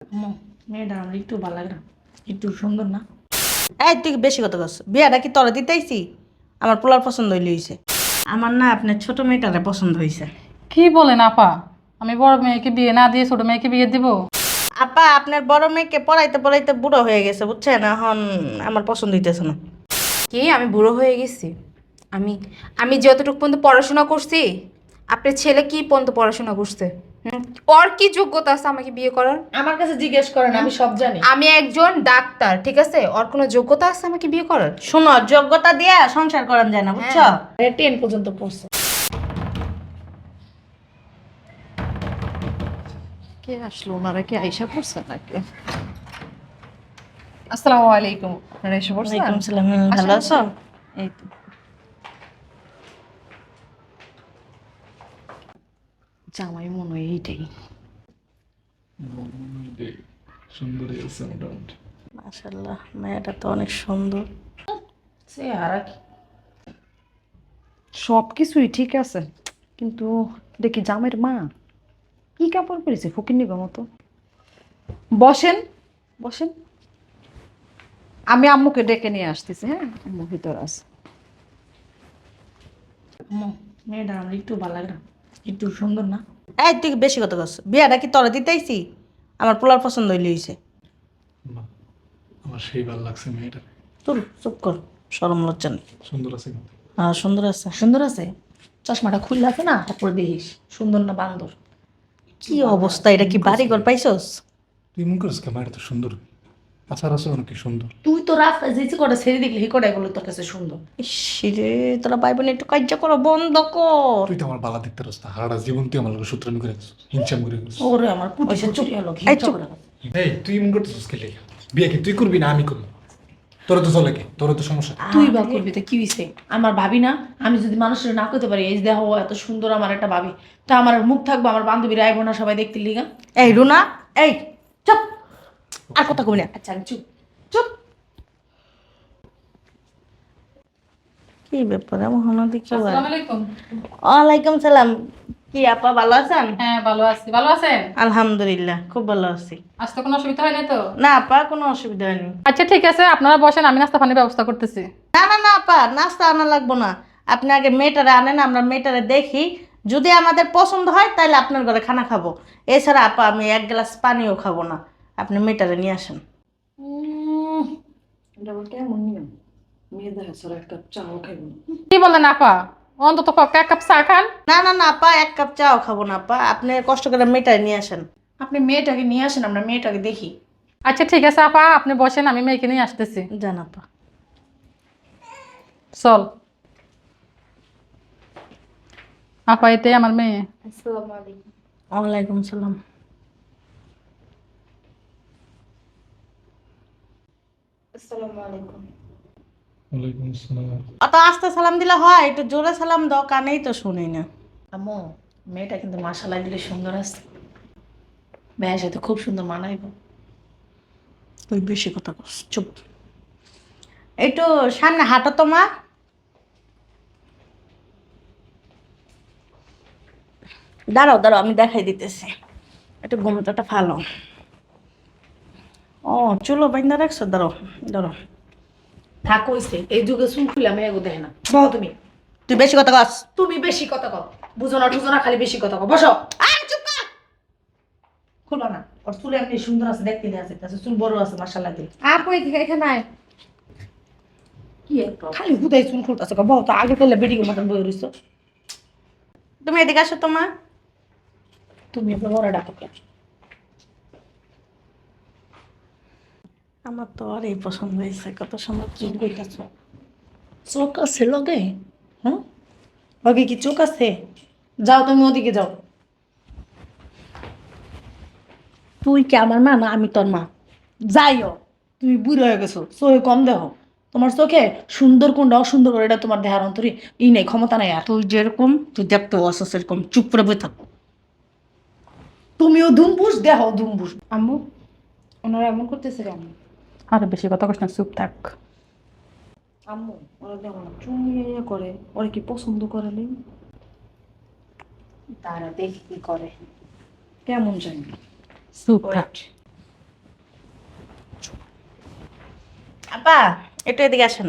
মেয়েটা আমার একটু ভালো লাগে না, একটু সুন্দর না? এই তুই বেশি কথা কস, বিয়াটা কি তোরা দিতেইছি? আমার পোলার পছন্দ হইলে হইছে। আমার না আপনার ছোট মেয়েটারে পছন্দ হইছে। কি বলেন আপা? আমি বড় মেয়েকে বিয়ে না দিয়ে ছোট মেয়েকে বিয়ে দিব? আপা আপনার বড় মেয়েকে পড়াইতে পড়াইতে বুড়ো হয়ে গেছে বুঝছেন, এখন আমার পছন্দ হইতেছে না। কি আমি বুড়ো হয়ে গেছি? আমি আমি যতটুকু পর্যন্ত পড়াশোনা করছি, আপনার ছেলে কি পর্যন্ত পড়াশোনা করছে? ওর কি যোগ্যতা আছে আমাকে বিয়ে করার? আমার কাছে জিজ্ঞেস করেন, আমি সব জানি। আমি একজন ডাক্তার, ঠিক আছে? ওর কোনো যোগ্যতা আছে আমাকে বিয়ে করার? শোনো, যোগ্যতা দিয়া সংসার করান যায় না বুঝছো। 10 পর্যন্ত পড়ছে। কে আসলো? ওনারা কি আইসা পড়ছে নাকি? আসসালামু আলাইকুম। আপনারা এসে পড়ছেন? ওয়ালাইকুম সালাম। ভালো আছো? এই তো। জামাই মনে হয় এইটাই। সুন্দরী আছে মোটামুটি। মাশাআল্লাহ, মেয়েটা তো অনেক সুন্দর। সে আর কি সব কিছুই ঠিক আছে, কিন্তু দেখি জামাইয়ের মা কি কাপড় পরেছে ফকিন্নির মতো। বসেন বসেন, আমি আম্মুকে ডেকে নিয়ে আসতেছি। হ্যাঁ, আম্মু ভিতর আছে। মেয়েটা আমার একটু ভালো লাগে না, একটু সুন্দর না? এই তুই বেশি কথা কস, বিয়াটা কি তোরা দিতেইছি? আমার পোলার পছন্দ হইলে হইছে। না, আমার সেই ভালো লাগছে মেয়েটা। তোর চুপ কর, শরম লজ্জা নেই। সুন্দর আছে কিন্তু। হ্যাঁ সুন্দর আছে। সুন্দর আছে? চশমাটা খুললে আছে না, তারপরে দেখিস সুন্দর না বান্দর। কি অবস্থা, এটা কি বাড়ি ঘর পাইছস? তুই মন করিস কে? মেয়েটা তো সুন্দর, আচার আছে অনেক সুন্দর। তুই তো রাস্তায় যেতে কটা ছেড়ে দেখলি হি কটাই বলে তোর কাছে সুন্দর। ইসরে, তোরা ভাই বোন একটু কার্য করো, বন্ধ কর। তুই তো আমার বালা দেখতে রাস্তা হারা জীবন তুই আমার লোক সূত্রামি করে গেছিস, হিংসাম করে গেছিস। ওরে আমার পুটি চুরি হলো, এই চুপ। এই তুই মন করতেছিস কে লেগে? বিয়ে কি তুই করবি না আমি করবো? তোর তো চলে কে? তোর তো সমস্যা। তুই বা করবি তো কি হইছে? আমার ভাবি না, আমি যদি মানুষের না করতে পারি, এই যে দেখো এত সুন্দর আমার একটা ভাবি, তা আমার মুখ থাকবো, আমার বান্ধবীরা আইবো না সবাই দেখতে লিগা? এই রুনা, এই চুপ, আর কথা কবি না। আচ্ছা আমি চুপ চুপ। কি ব্যাপার এমন হলো দেখি? আসসালামু আলাইকুম। ওয়ালাইকুম সালাম। কি আপা ভালো আছেন? হ্যাঁ ভালো আছি। ভালো আছেন? আলহামদুলিল্লাহ, খুব ভালো আছি। আসতে কোনো অসুবিধা হয় নাই তো? না আপা, কোনো অসুবিধা হয়নি। আচ্ছা ঠিক আছে, আপনারা বসেন, আমি নাস্তা পানির ব্যবস্থা করতেছি। না না না আপা, নাস্তা আনা লাগবো না। আপনি আগে মেয়েটারে আনেন, আমরা মেয়েটারে দেখি, যদি আমাদের পছন্দ হয় তাহলে আপনার ঘরে খানা খাবো। এছাড়া আপা আমি এক গ্লাস পানিও খাবো না। আপনি মেয়েটারে নিয়ে আসেন। এটা আবার কেমন নিয়ম? মেয়ে দেখা ছাড়া এক কাপ চাও খাইব না। কি বলেন আপা? অন্তত পক্ষে এক কাপ চা খান। না না না আপা, এক কাপ চাও খাবো না আপা, আপনি কষ্ট করে মেয়েটারে নিয়ে আসেন। আপনি মেয়েটাকে নিয়ে আসেন, আমরা মেয়েটাকে দেখি। আচ্ছা ঠিক আছে আপা, আপনি বসেন, আমি মেয়েকে নিয়ে আসতেছি। জান আপা। চল আপা, এটাই আমার মেয়ে। আসসালামু আলাইকুম। ওয়ালাইকুম সালাম। আসসালামু আলাইকুম। ওয়ালাইকুম আসসালাম। অত আস্তে সালাম দিলে হয়? একটু জোরে সালাম দাও, কানেই তো শুনি না। আম্মু, মেয়েটা কিন্তু মাশাআল্লাহ দিলে সুন্দর আছে, ভাইয়ের সাথে খুব সুন্দর মানাইব। তুই বেশি কথা কস, চুপ। একটু সামনে হাঁটো তো মা। দাঁড়াও দাঁড়াও, আমি দেখাই দিতেছি। একটু ঘুমটাটা ভালো। ও চুলো বাইন্দা রাখছো, দাঁড়াও দাঁড়াও। থাক হইছে, এই যুগে চুল খুলে আমি এগো দেখে না। বলো তুমি। তুই বেশি কথা কস। তুমি বেশি কথা কও, বুঝো না টুঝো না, খালি বেশি কথা কও। বসো। চুপ কর। খুলো না, ওর চুল এমনি সুন্দর আছে, দেখতে দেয়া আছে, চুল বড় আছে মাশাআল্লাহ দিলে। আপু এদিকে এখানে আয়। কি একটা খালি হুদাই চুল খুলতেছে, বলো তো আগে তাহলে বেডিকের মতন বই রইছো। তুমি এদিকে আসো তো মা। তুমি আপনার বড় ডাকো কেন? আমার তো আর এই পছন্দ হয়েছে, কত সুন্দর চুল চুল। কইতাছ, চোখ আছে লগে? হ্যাঁ, লগে কি চোখ আছে? যাও তুমি ওদিকে যাও। তুই কি আমার মা না আমি তোর মা? যাইও, তুমি বুড়ো হয়ে গেছো, চোখে কম দেহ। তোমার চোখে সুন্দর কোনটা অসুন্দর করে এটা তোমার দেহার অন্তরে নেই, ক্ষমতা নাই আর। তুই যেরকম তুই দেখতে অসুস এরকম, চুপ করে বই থাক। তুমিও ধুমবুস, দেহ ধুমবুস। আম্মু, ওনারা এমন করতেছে কেন? আর বেশি কথা কস না, চুপ থাক। আম্মু ওরা দেখো না চুমিয়ে করে, ওরা কি পছন্দ করে নেই? তারা দেখি কি করে। কেমন জানি। চুপ থাক। আপা একটু এদিকে আসেন।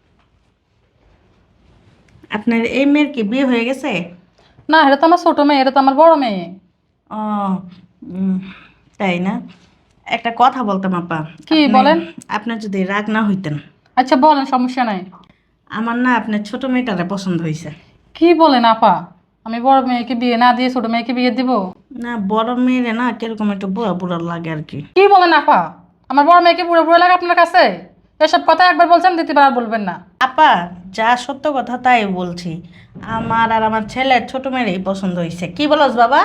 আপনার এই মেয়ের কি বিয়ে হয়ে গেছে? না, এটা তো আমার ছোট মেয়ে, এটা তো আমার বড় মেয়ে। ও উম, তাই না? একটা কথা বলতাম আপা। কি আপনি- বলেন? আপনার যদি রাগ না হইতেন, আচ্ছা বলেন, সমস্যা নাই। আমার না আপনার ছোট মেয়েটারে পছন্দ হয়েছে। কি বলেন আপা? আমি বড় মেয়েকে বিয়ে না দিয়ে ছোট মেয়েকে বিয়ে দিব? না, বড় মেয়েরে না কিরকম একটু বুড়া বুড়া লাগে আর কি। কি বলেন আপা? আমার বড় মেয়েকে বুড়ো বুড়ো লাগে আপনার কাছে? এসব কথা একবার বলছেন, দ্বিতীয়বার আর বলবেন না। আপা যা সত্য কথা তাই বলছি। আমার আর আমার ছেলের ছোট মেয়েরই পছন্দ হয়েছে। কি বলস বাবা?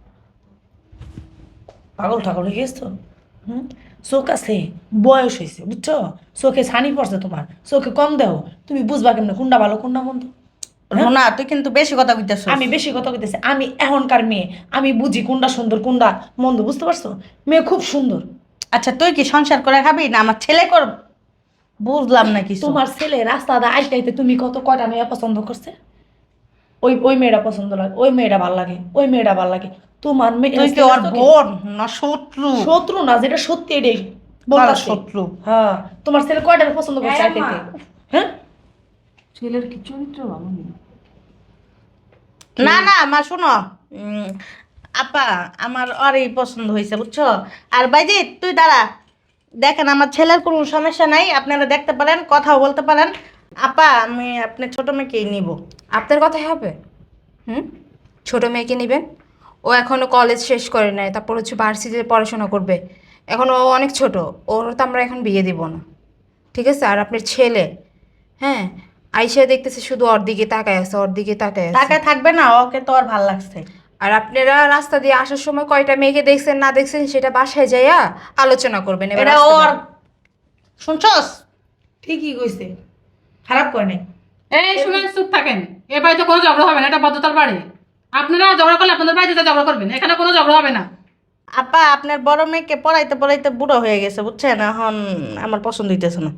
পাগল ঠাগল হয়ে গেছ তো? হুম, চোখ আছে, বয়স হয়েছে বুঝছো, চোখে ছানি পড়ছে তোমার, চোখে কম দেও, তুমি বুঝবা কেমনে কোনটা ভালো কোনটা মন্দ? রোনা তুই কিন্তু বেশি কথা কইতেছ। আমি বেশি কথা কইতেছি, আমি এখনকার মেয়ে, আমি বুঝি কোনটা সুন্দর কোনটা মন্দ, বুঝতে পারছো? মেয়ে খুব সুন্দর। আচ্ছা তুই কি সংসার করে খাবি না আমার ছেলে কর? বুঝলাম না কিছু। তোমার ছেলে রাস্তাটা আইতে আইতে তুমি কত কয়টা মেয়ে পছন্দ করছে? ওই ওই মেয়েটা পছন্দ লাগে, ওই মেয়েটা ভাল লাগে, ওই মেয়েটা ভাল লাগে। তোমার মেয়ে তুই কি ওর বোন না শত্রু? শত্রু না, যেটা সত্যি এটাই বলতাছি। শত্রু। হ্যাঁ, তোমার ছেলে কয়টা পছন্দ করছে আইতে আইতে? হ্যাঁ, ছেলের কি চরিত্র ভালো নেই? না না মা শুনো, আপা আমার ওরই পছন্দ হয়েছে বুঝছো। আর বাইজি তুই দাঁড়া, দেখেন আমার ছেলের কোনো সমস্যা নাই, আপনারা দেখতে পারেন, কথাও বলতে পারেন। আপা আমি আপনার ছোট মেয়েকেই নিব। আপনার কথাই হবে? হুম, ছোট মেয়েকে নেবেন? ও এখনো কলেজ শেষ করে নাই, তারপর হচ্ছে ভার্সিটিতে পড়াশোনা করবে। এখন ও অনেক ছোট, ওর তো আমরা এখন বিয়ে দিব না, ঠিক আছে? আর আপনার ছেলে, হ্যাঁ, আইসা দেখতেছে শুধু ওর দিকে তাকায় আছে, ওর দিকে তাকায় আছে। টাকা থাকবে না, ওকে তো আর ভাল লাগছে। আর আপনারা রাস্তা দিয়ে আসার সময় কয়টা মেয়েকে দেখছেন না দেখছেন সেটা বাসায় যাইয়া আলোচনা করবেন। এবার এটা আসতে ওর, পারেন। শুনছস? ঠিকই কইছে, খারাপ করে নাই। এই শুনেন, চুপ থাকেন। এ বাড়িতে কোনো ঝগড়া হবে না, এটা বদ্ধতার বাড়ি। আপনারা ঝগড়া করলে আপনাদের বাড়িতে ঝগড়া করবেন, এখানে কোনো ঝগড়া হবে না। আপা আপনার বড় মেয়েকে পড়াইতে পড়াইতে বুড়ো হয়ে গেছে বুঝছেন, এখন আমার পছন্দ হইতেছে না।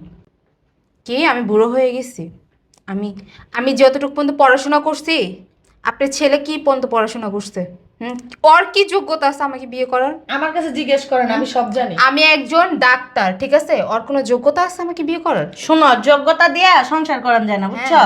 কি আমি বুড়ো হয়ে গেছি? আমি আমি যতটুকু পর্যন্ত পড়াশোনা করছি, আপনার ছেলে কি পর্যন্ত পড়াশোনা করছে? হুম, ওর কি যোগ্যতা আছে আমাকে বিয়ে করার? আমার কাছে জিজ্ঞেস করেন, আমি সব জানি। আমি একজন ডাক্তার, ঠিক আছে? ওর কোনো যোগ্যতা আছে আমাকে বিয়ে করার? শোনো, যোগ্যতা দিয়া সংসার করান যায় না বুঝছো।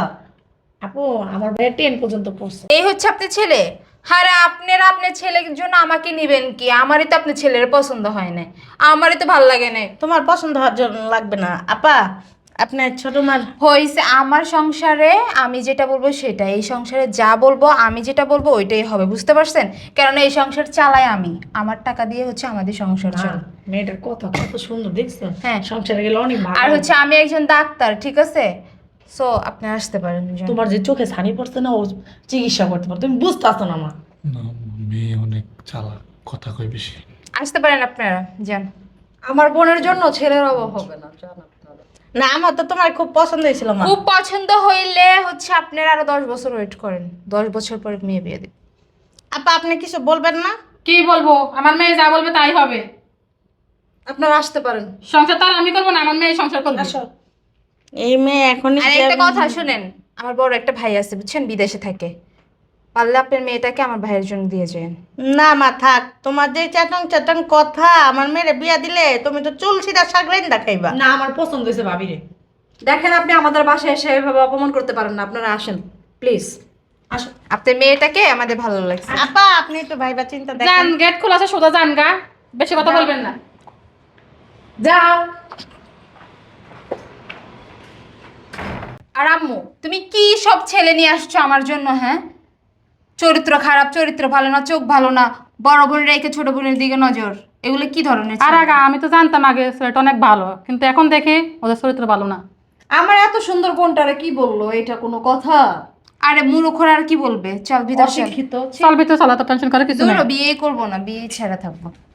আপু আমার ভাইয়া 10 পর্যন্ত পড়ছে। এই হচ্ছে আপনার ছেলে? আরে আপনারা আপনার ছেলের জন্য আমাকে নিবেন কি? আমারই তো আপনার ছেলের পছন্দ হয় না, আমারই তো ভালো লাগে না। তোমার পছন্দ হওয়ার জন্য লাগবে না আপা, আপনার ছোট মার। হয়েছে আমার সংসারে আমি যেটা বলবো সেটা, এই সংসারে যা বলবো আমি যেটা বলবো ওইটাই হবে, বুঝতে পারছেন? কারণ এই সংসার চালাই আমি, আমার টাকা দিয়ে হচ্ছে আমাদের সংসার চলে। মেয়েটার কথা কত সুন্দর দেখছো, হ্যাঁ। সংসারে গেলে অনেক ভালো। আর হচ্ছে আমি একজন ডাক্তার, ঠিক আছে? সো আপনি আসতে পারেন। যান। তোমার যে চোখে ছানি পড়ছে না, ও চিকিৎসা করতে পারো, তুমি বুঝতে আসতো না মা। না, মেয়ে অনেক চালাক, কথা কয় বেশি। আসতে পারেন আপনারা, যান। আমার বোনের জন্য ছেলের অভাব হবে না, জান আপনারা। না আমার তো তোমার খুব পছন্দ হয়েছিল মা। খুব পছন্দ হইলে হচ্ছে আপনারা আরো 10 বছর ওয়েট করেন, 10 বছর পরে মেয়ে বিয়ে দিন। আপা আপনি কিছু বলবেন না? কি বলবো? আমার মেয়ে যা বলবে তাই হবে। আপনারা আসতে পারেন। সংসার তো আর আমি করবো না, আমার মেয়ে সংসার করবে। এই মেয়ে এখনই আর একটা কথা শুনেন, আমার বড় একটা ভাই আছে বুঝছেন, বিদেশে থাকে। পারলে আপনার মেয়েটাকে আমার ভাইয়ের জন্য দিয়ে যান। না মা থাক, তোমার যে চ্যাটং চ্যাটং কথা, আমার মেয়েরে বিয়া দিলে তুমি তো চুল সিধা সাগরেন দেখাইবা। না, আমার পছন্দ হয়েছে ভাবিরে। দেখেন আপনি আমাদের বাসায় এসে এভাবে অপমান করতে পারেন না, আপনারা আসেন প্লিজ। আসো। আপনার মেয়েটাকে আমাদের ভালো লাগছে। আপা আপনি একটু ভাইবা চিন্তা যান, দেখেন। গেট খোলা আছে, সোজা যান গা, বেশি কথা বলবেন না। যাও। আর আম্মু, তুমি কি সব ছেলে নিয়ে আসছো আমার জন্য? হ্যাঁ, চরিত্র খারাপ, চরিত্র ভালো না, চোখ ভালো না, বড় বোনের রেখে ছোট বোনের দিকে নজর, এগুলো কি ধরনের আর ছেলে? আগে আমি তো জানতাম আগে ছেলেটা অনেক ভালো, কিন্তু এখন দেখি ওদের চরিত্র ভালো না। আমার এত সুন্দর বোনটারে কি বললো, এটা কোনো কথা? আরে মূর্খরা আর কি বলবে? চল ভিতর চল। অশিক্ষিত। চল ভিতরে চলা, তো টেনশন করে কিছু দূর নেই। বিয়ে করবো না, বিয়ে ছেড়ে থাকবো।